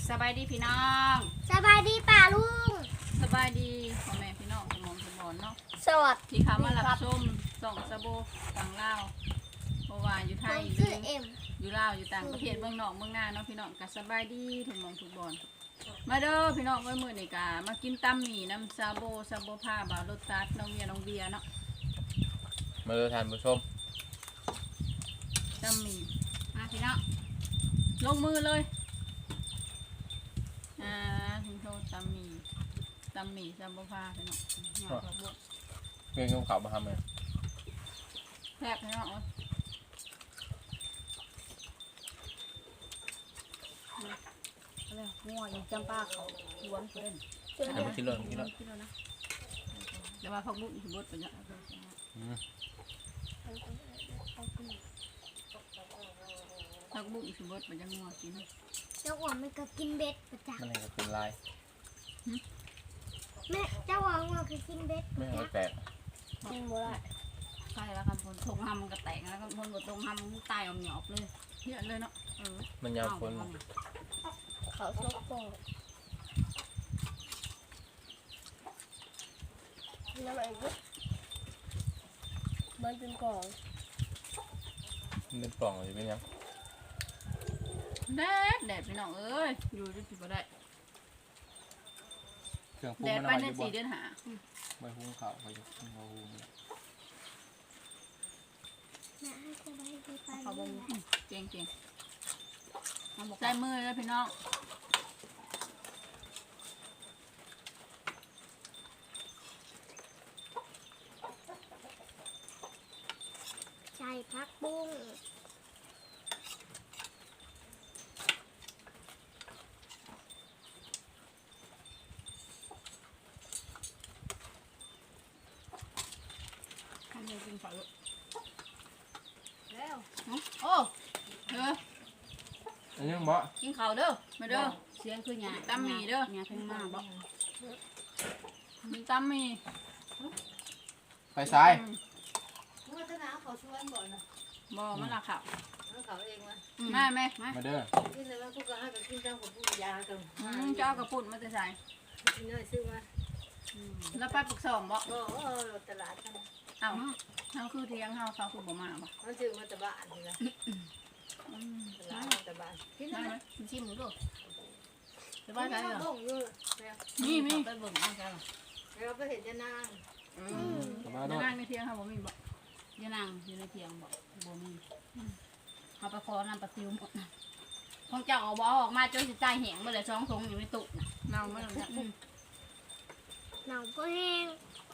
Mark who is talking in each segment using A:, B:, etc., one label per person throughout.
A: สบายดีพี่น้อง
B: สบายดีป่าลุง
A: สบายดีพ่อแม่พี่น้องสมองสมอนเนาะ
B: สวัสดี
A: ที่เขามารับชมส่องสะโบฝั่งลาวเพราะว่าอยู่ไท
B: ผ
A: ย
B: ม
A: หรื
B: ชื่อ
A: อ
B: เอ็ม
A: อยู่ลาวอยู่ต่างประเทศเมืองนอกเมืองนาเนาะพี่น้องก็สบายดีทุกหมองทุกบอนมาเด้อพี่น้องไว้มื้อนี้ก็มากินตำหมี่น้ำซาโบผ้าบ่าวรสตัดน้องเบียร์เนาะ
C: มาดูทานผู้ชม
A: ตำหมี่มาพี่น้องลงมือเลยถึงโทษตำหมี่ซาโบผ้าพี่น้องหน่อยครับบวก
C: เพื่อนเขามาทำเลย
A: แซ่บพี่น้องเอ้ย
D: อะไรงัวอยู่จำปาเขาหวนเพื่อน
C: แต่ไม่คิดเลยคิดเลย
A: เดี๋ยวมาพักบุ้งบดไปเนี่ย พักบุ้งสิบดไปจะงัวกิน
B: เจ้าอ้วนมันก็กินเบ็ดประจ
C: มันเองก็เป็นลาย
B: ำแม่เจ้าอ้วนมันก็กินเบ็ด
C: ไม่เอาแตก
D: กินบ่ได้
A: ใช่แล้วครับคนทงหำมันก็แตกแล้วก็คนบดทงหำมันตายออกหยอบเลยเยอะเลยเนาะ
C: มันยาวคน
D: เขาชกโป่งน้ำอะไรบุ๊มันเป็นกล่อง
C: มันเป็นปล่องหรือเป็นยัง
A: แดดพี่น้องเอ้ยอยู่จะผิดบ่ได้
C: เครื่องปรุ
A: แด
C: ง
A: ด
C: มัน
A: ไป
C: เอา
A: ใน
C: อยู่บ่
A: 4 เดือนหา
C: ใบหุ้งขาวใบหุ้งเขาหุ้ง
B: แม่ให้สบายดีป่า
A: เขา
B: ลุ
A: บ่
B: ง
A: มีเก่งใส่มือแล้วพี่น้อง
B: ใช่พักบุ้ง
A: ทำเลยกินฝาลูก
D: แล้ว
A: โอ้เด้อ
C: อันนี้บ่
A: กินข้าวเด้อมาเด้อ
D: เสียงคือหยา
A: ตำหมี่เด้อ
D: หยาเพิ่งมาบอก
A: มีตำหมี่
C: ไปซ้าย
E: เมื่อธนาเขาชวนบ่อยนะ
A: บ่มันละค่ะ
E: เขาเองว่า
A: มาแม่มา
C: มาเด้อ
E: กินเลยว่าพวกก็ให้กับกินจังของพวกยากัน
A: เจ้ากระปุ่นมาจะใส่
E: กินเลยซื้อมา
A: แล้วไปปรึกษองบ่
E: ตลาดกัน
A: เอ้าเฮาคือเที่ยงเฮาเขาคือบ่มาบ่
E: มันซื้อมาตะบ้านนี่ละตลาดตะบ้านกิน
A: ได้
E: ได้
A: ไหมชิมดูส
E: บ้า
A: บาย
E: น
A: ใจ
E: ไหน
A: เหรอ
E: บ่งอยู่
A: มีไปเบิ่งเอาใจเหรอ
E: เราไปเห็นจะนาง
C: กลับมา
A: จะ
C: ด้วย
A: นั่งในเที่ยงเฮาบ่มีบ่
D: ยานางอยู่ในเทียงบอกบ่มีเขาไปขอน้ำปลาซิวหมดของเจ้าเอาบ่ออกมาจนสิใจแห้งไปเลย2 ถุงอยู่ในตู้น่ะ
A: เน่าไม่ลงเนี่ย
B: หนาวก็แห้ง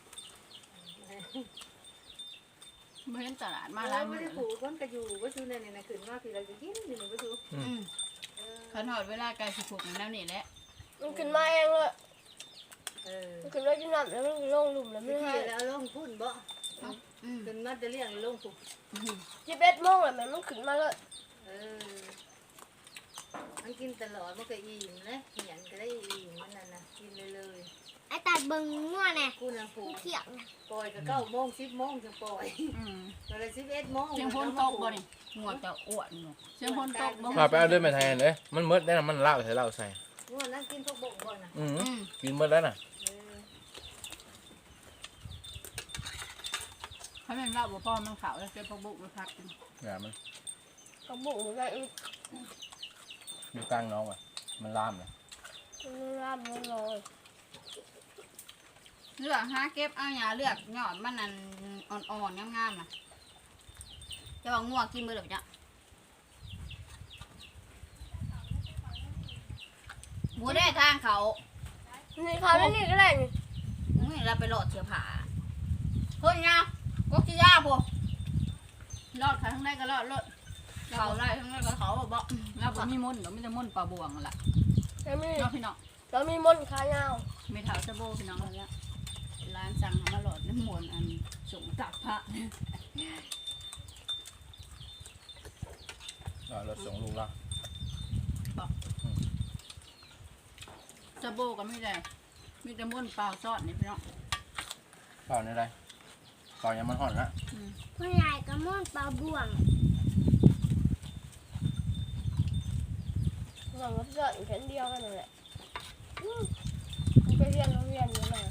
A: บ่เห็นตลาดมา
E: มา
A: ห
E: แล้
A: ลา
E: วย ไม่
A: มื้อ
E: ได้ผูกคนก็อยู่ก็อยู่ในนี่นะขึ้นมาพี่เราจะกินนี่ก็อยู่
A: คันฮอดเวลาใกล้สิผูกแล้วนี่แหละ
D: มันขึ้นมาเองเลย
E: มัน
D: ขึ้นมากินน้ำแล้วมันลงหลุมแล้วไม่
E: ที่
D: ให้
E: แล้วลงพุ่นบ่ขึ้นมาจะเลี้ยงลงผูก
D: 11 โมงแล้วมันขึ้นมาเลย
E: มันกินตลอดมันก็อิ่มนะเหียนก็ได้อิ่มมันนั่นนะกินเลย
B: ไอ้ตัดเบิ่งงัวแน่
E: กูนะผูก
B: เขียวนะ
E: ปล่อยก็9 โมง 10 โมงจึงปล่อยตอนละ11 โมง
A: เสียงฝนตกบ่นี่
D: หัวจะอ้วนอยู่
A: เสียงฝนตกบ่
C: มาไปเอาด้วยมาแทนเลยมันมืดได้นะมันเล่าใส่เล่าใส่
E: งัวนั่งกินพวกบกบ่น่ะ
C: กินมืดแล้วน่ะ
A: ถ้าแม่นว่าบ่พอมันขาวแล้วเก็บผักบุ้งไปพักกิน
C: อย่ามัน
D: เขาบุกมันได้อีก
C: อยู่กลางน้องอ่ะมันล่ามเลย
D: ร่ำมันลอย
A: เลือกหาเก็บเอาหญ้าเลือกยอดมันนั่นอ่อนๆงามๆน่ะจะว่างัวกินมื้อเดียวจ้ะบ่ได้ทางเขา
D: นี่เขาแล้วนี่ก็ได้นี่
A: นี่เราไปโหลดเสือผาเฮ้ยนะกกจิยาพวกรอดขาทั้งได้ก็รอดเขาได้ทั้งได้ก็เขาบอกเราบ่มีมนต์เดี๋ยวมันจะมนต์ปลาบวงล่ะ
D: แล้วมี
A: เนาะพี่น้อง
D: แล้วมีมนต์ขายาว
A: ไม่เท่าจะโบพี่น้องแล้วร้านสั่งมาโหลดน้ำมนต์อันส่งตักพระ
C: รถส่งลูกละ
A: จะโบก็ไม่ได้มีแต่มนต์เปล่าซอดนี่พี่น้อง
C: เปล่าในไรเปล่ายังมันห่อนละ
B: ผู้ใหญ่ก็ม่วนปลาบ่วง
D: เรา
B: องกับเพื่อนแค่เดียวกันนั่นแหละมันไปเรียนโรงเรียนนี่แหละ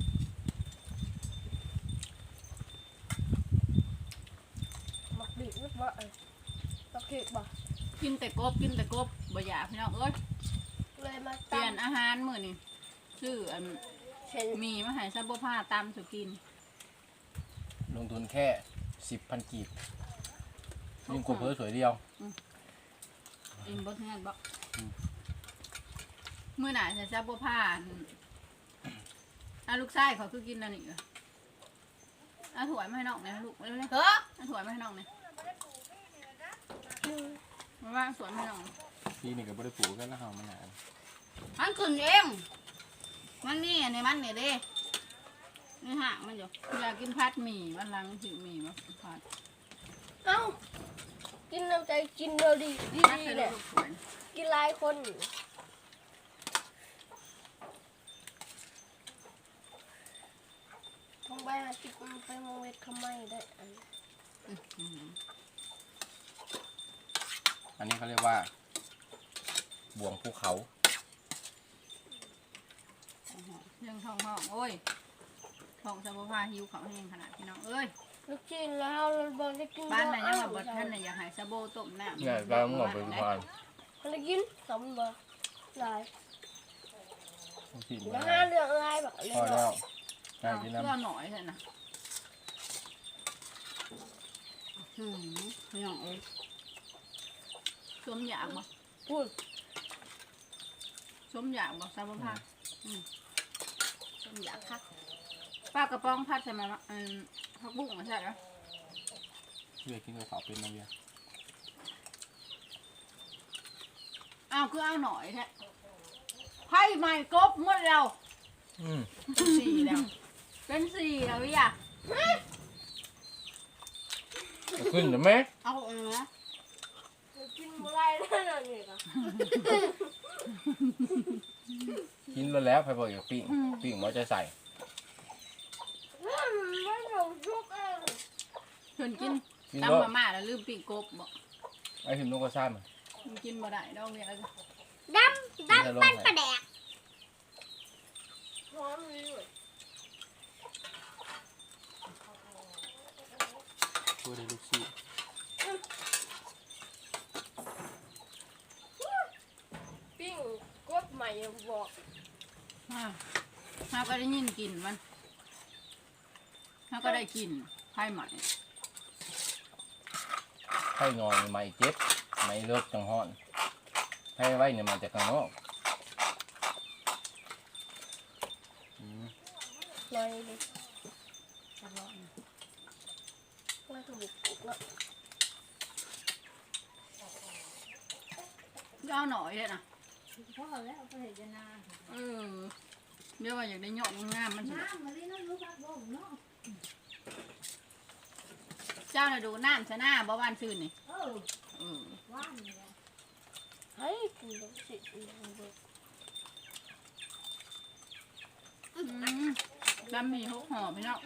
B: มักดิบมักบ่มักเค้กบ่
A: กินแต่กบบ่อยากพี่น้องเอ้ย
B: เลยมา
A: เปลี่ยนอาหารมื้อนี้ซื้ออัน
B: เช่น
A: มีมาให้ซับบ่ผ้าตามสุกิน
C: ลงทุนแค่ 10,000 กีบยิ่งกบเพิ่สวยเดียว
A: เองบ่ทันบ่มื้อหน้าจะซับบ่ผ้าลูกชายเขาคือกินอันนี้เหรอถั่วมาให้น้องหน่อยลูกเร็วๆ
D: เฮ้อ
A: ถั่วมาให้น้องหน่อยมาว่างสวนให้น้อง
C: พี่นี่ก็บ่ได้ปลูกกันแล้วเฮามันหนา
A: มันขึ้นเองมันนี่อันนี้มันนี่เด้นี่ห่างมันอยู่อยากกินผัดหมี่วันหลังหิวหมี่มาผัด
B: เอ้ากินน้ำใจกินเดียวดีดี
A: ผัดใส่
B: ๆเนี่ย
A: ลูกสวน
B: กินหลายคนต้องไปหาจิบไปมองเวททำไมได้อัน
C: อันนี้เขาเรียกว่าบ่วงภูเขา
A: เรื่องท้องโอ้ยท้องสะโพกผ้าหิวเขาแห้งขนาดพี่น้องเอ้ย
B: ลูกชิ้นแล้วเราบอกจะกิน
A: บ้านไหนยังแบบบดท่านไหนอยากให้สะโบต้มน้ำ
C: เนี่ยเราหมดไปทุกวัน
B: เขาจะกินสมบ่หลาย
C: พี่
B: แล้วห้าเรื่องอะไรแบบเรื่
C: พอ
B: อง
C: แล้ว
A: เพื่
C: ได้กินน้ำ
A: อหน่อยเถอะนะพี่น้องเอ้ยสมอยากบ่
B: พูด
A: สมอยากบ่สะโพกผ้า
D: ฉันอยากคัก
A: ป้ากระป๋องผัดใช่ไหมวะผักบุ้งใช่ไหม
C: เวียกินกับข้าวเป็นนะเวีย
A: อ้าวคือเอาหน่อยแท้ไพ่ใหม่กบหมดแล้ว เป็นสี่แล้วพี่อ่ะ
C: ขึ้นหรือไหม
A: เอานะ
B: กินอะไรแล้วเนี่ยก็
C: กินแล้วไฟบอกอย่าปิ้งมันจะใส่
B: ไม่ลงชุกเอง
A: ชวนกิน
C: กิน
A: ตำ
C: แล้ว
A: มาม่าแล้วลืมปีกกบบอก
C: ไอ้หิมนกกระซ่ามัน
A: มันกินบ่ได้ดอกเดียว
B: ดำปั้นปลาแดกหอมดีเลย
C: ช่วยได้ลูกซี่
B: ปิ้งกดใหม่บอก
A: เราก็ได้ยินกลิ่นมันเราก็ได้กลิ่นไพ่ใหม่
C: ไข่งอนไม่เจ็บไม่เลิกจังห้อนไข่ไว้เนี่ยมาจากข้างนอก
B: ลอยเลยแล้วก็บุกแล้ว
A: เอาหน่อยเลยนะ
E: พ่อแล้วก็เห็นจะนา
A: เดี๋ยวว่าอยากได้ยอดงามมันสิ
E: น้ำมาเลยน้ำรู้พักบ่มเนาะ
A: เจ้าน่ะดูน้ำชะหน้าบ่บ้านซื่นนี่
E: ว่านเนี่ย
B: เฮ้ยกินแบบสิ
A: จำมีหกห่อพี่น้อง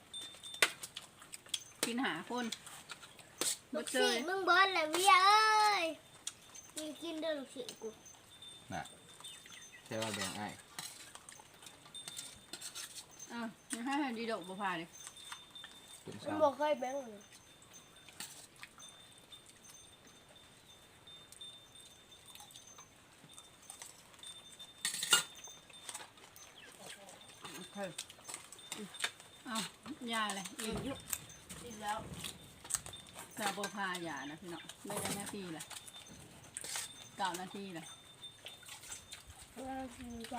A: กินหาคน
B: ลู
A: บ่
B: ก
A: เจ
B: ศิ
A: อ
B: ษย์มึงเบิร์ดเลยเวียเอ้ยมีกินเด้อลูกศิษย์กู
C: ใช่ว่าแบ่งไอ้
A: ยังให้ดีดอกบ่พาเลย
C: เป็น
B: มัน
C: ซ้ำ
B: บอกเคยแบงค์เลย
A: เอายาเลยอิ่มยุกินแล้วซาโบพายานะพี่น้องได้ได้นาทีละ9 นาทีละ
B: แล้วคือก็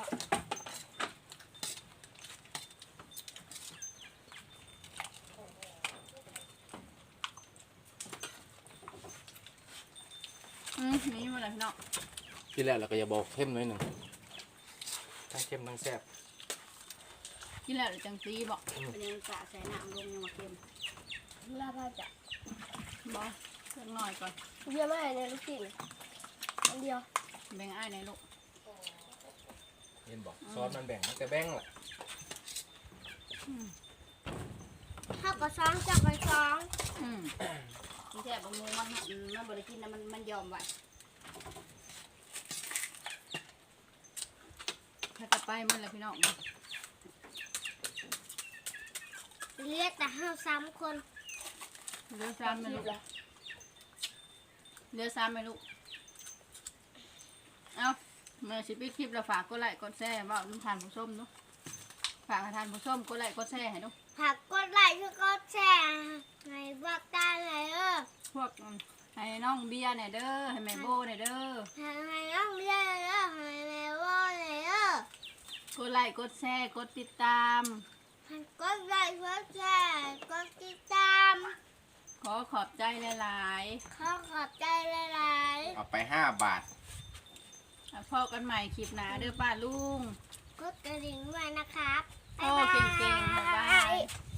A: นี่มาเลยพี่น้อง
C: ที่แรกเราก็อย่าบอกเข้มหน่อยหนึ่งทั้งเข้มทั้งแซ่บ
A: กินแล้วเดี๋ยวจังตีบอก
D: เป็นยังกะใส่น้ำลงยังมาเค็ม
B: ลาพาจะ
A: บอกเพิ่งหน่อยก่อน
B: เวียไม่เนี่ยลูกศิษย์อันเดียว
A: แบ่งอ้ายในลูก
C: เห็นบอกซอสมันแบ่งมันจะแบ่งแหละ
B: ถ้าก็ซ้องจับไปซ้อง
D: ที่แท้บางมูมันบริกินนะมันยอมไว้ไปหมันแล้วพี่น้อง
B: เรียกแต่ห้า3 คน
D: เรือซ้ำไม่ลูกเรือซ้ำไม่ลูกเอาเมื่อสิปิดคลิปเราฝากกดไลค์กดแชร์บอกน้ำทานผู้ส้มเนาะฝากให้ทานผู้ส้มกดไลค์กดแชร์ให้เนาะ
B: ผักกดไลค์กดแชร์ให้บอกตาเลย
D: พวกให้น้องเบียร์เนี่ยเด้อให้แม่โบเนี่ยเด้อ
B: ให้น้องเรียนให้แม่ว่าเลย
D: กดไลค์กดแชร์กดติดตาม
B: กดไลค์กดแชร์กดติดตาม
D: ขอขอบใจหลาย
B: ขอบใจหลาย
C: เอาไป5 บาท
D: ๆพอกันใหม่คลิปหน้าเด้อป้าลุง
B: ๆกดกระดิ่งด้วยนะครับ
D: โอ้เก่งๆบ๊ายบาย